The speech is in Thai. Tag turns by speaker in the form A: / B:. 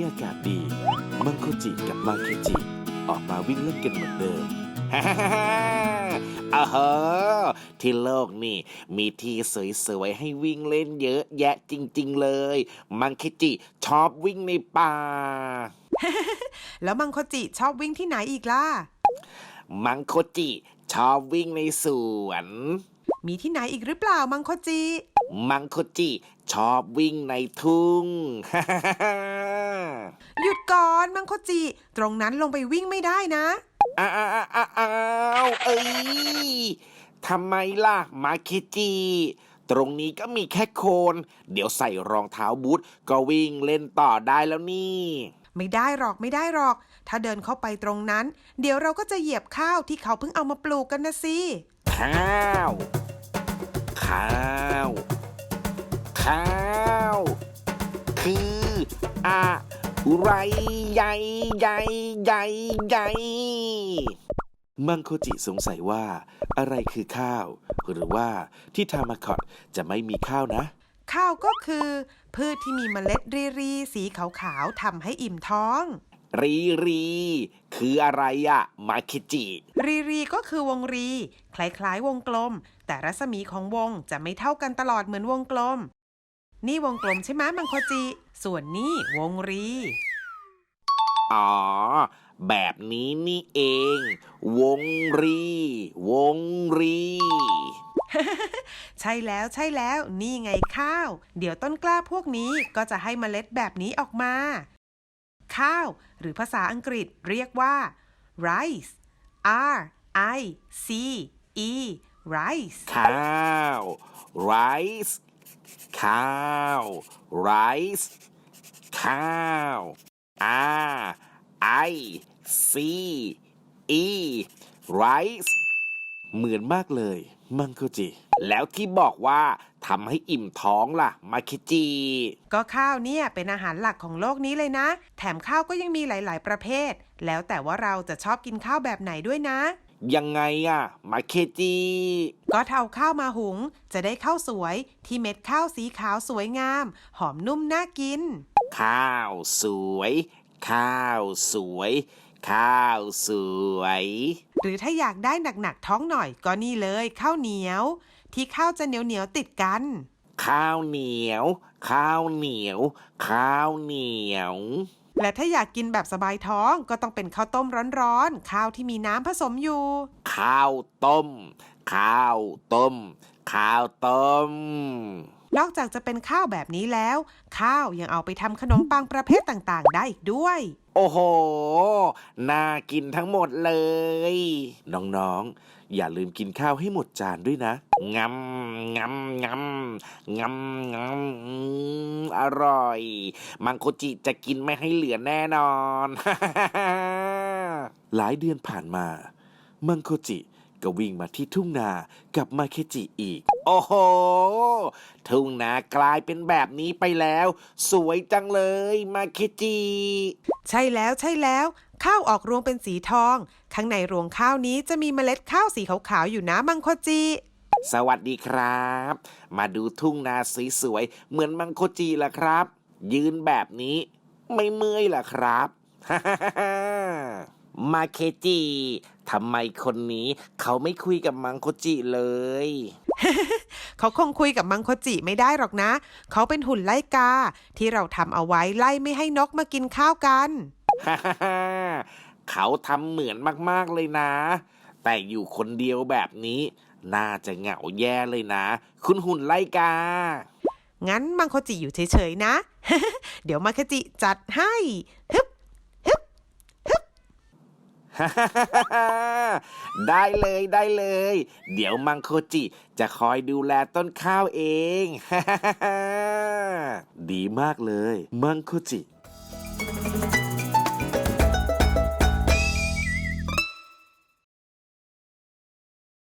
A: อากาศดีมังโคจิกับมาเคจิออกมาวิ่งเล่นกันเหมือนเดิมฮ่าฮ่าฮ่าอ้าฮที่โลกนี่มีที่สวยๆให้วิ่งเล่นเยอะแยะจริงๆเลยมังเคจิชอบวิ่งในป่า
B: แล้วมังโคจิชอบวิ่งที่ไหนอีกล่ะ
A: มังโคจิชอบวิ่งในสวน
B: มีที่ไหนอีกหรือเปล่ามังโคจิ
A: มังโคจิชอบวิ่งในทุ่ง
B: หยุดก่อนมังโคจิตรงนั้นลงไปวิ่งไม่ได้นะ
A: อ้าวเอ้ยทำไมล่ะมาเคจิตรงนี้ก็มีแค่โคนเดี๋ยวใส่รองเท้าบูทก็วิ่งเล่นต่อได้แล้วนี่
B: ไม่ได้หรอกถ้าเดินเข้าไปตรงนั้นเดี๋ยวเราก็จะเหยียบข้าวที่เขาเพิ่งเอามาปลูกกันนะสิ
A: ข้าวคืออะไรใหญ่มังโคจิสงสัยว่าอะไรคือข้าวหรือว่าที่ทามาคอตจะไม่มีข้าวนะ
B: ข้าวก็คือพืชที่มีเมล็ดรีสีขาวๆทำให้อิ่มท้อง
A: รีคืออะไรอะมาเคจิ
B: รีก็คือวงรีคล้ายๆวงกลมแต่รัศมีของวงจะไม่เท่ากันตลอดเหมือนวงกลมนี่วงกลมใช่ไหมมังโคจิส่วนนี่วงรี
A: อ๋อแบบนี้นี่เองวงรี
B: ใช่แล้วนี่ไงข้าวเดี๋ยวต้นกล้าพวกนี้ก็จะให้เมล็ดแบบนี้ออกมาข้าวหรือภาษาอังกฤษเรียกว่า rice R-I-C-E rice
A: ข้าว rice ข้าว rice ข้าว R-I-C-E rice เหมือนมากเลยมังโคจิแล้วที่บอกว่าทำให้อิ่มท้องล่ะมาเคจิ
B: ก็ข้าวเนี่ยเป็นอาหารหลักของโลกนี้เลยนะแถมข้าวก็ยังมีหลายๆประเภทแล้วแต่ว่าเราจะชอบกินข้าวแบบไหนด้วยนะ
A: ยังไงอะมาเคจิ
B: ก็เอาข้าวมาหุงจะได้ข้าวสวยที่เม็ดข้าวสีขาวสวยงามหอมนุ่มน่ากิน
A: ข้าวสวย
B: หรือถ้าอยากได้หนักๆท้องหน่อยก็นี่เลยข้าวเหนียวที่ข้าวจะเหนียวติดกัน
A: ข้าวเหนียว
B: และถ้าอยากกินแบบสบายท้องก็ต้องเป็นข้าวต้มร้อนๆข้าวที่มีน้ำผสมอยู่
A: ข้าวต้ม
B: นอกจากจะเป็นข้าวแบบนี้แล้วข้าวยังเอาไปทำขนมปังประเภทต่างๆได้อีกด้วย
A: โอ้โหน่ากินทั้งหมดเลยน้องๆอย่าลืมกินข้าวให้หมดจานด้วยนะงำอร่อยมังโคจิจะกินไม่ให้เหลือแน่นอน หลายเดือนผ่านมามังโคจิก็วิ่งมาที่ทุ่งนากับมาเคจิอีกโอ้โหทุ่งนากลายเป็นแบบนี้ไปแล้วสวยจังเลยมาเคจิ
B: ใช่แล้วข้าวออกรวงเป็นสีทองข้างในรวงข้าวนี้จะมีเมล็ดข้าวสีขาวๆอยู่นะมังโคจิ
A: สวัสดีครับมาดูทุ่งนาสวยๆเหมือนมังโคจิล่ะครับยืนแบบนี้ไม่เมื่อยล่ะครับ มาเคจิทำไมคนนี้เขาไม่คุยกับมังโคจิเลย
B: เขาคงคุยกับมังโคจิไม่ได้หรอกนะเขาเป็นหุ่นไล่กาที่เราทำเอาไว้ไล่ไม่ให้นกมากินข้าวกัน
A: เขาทำเหมือนมากๆเลยนะแต่อยู่คนเดียวแบบนี้น่าจะเหงาแย่เลยนะคุณหุ่นไล่กา
B: งั้นมังโคจิอยู่เฉยๆนะ เดี๋ยวมังโคจิจัดให้ฮึบ
A: ได้เลยเดี๋ยวมังโคจิจะคอยดูแลต้นข้าวเอง ดีมากเลยมังโคจิ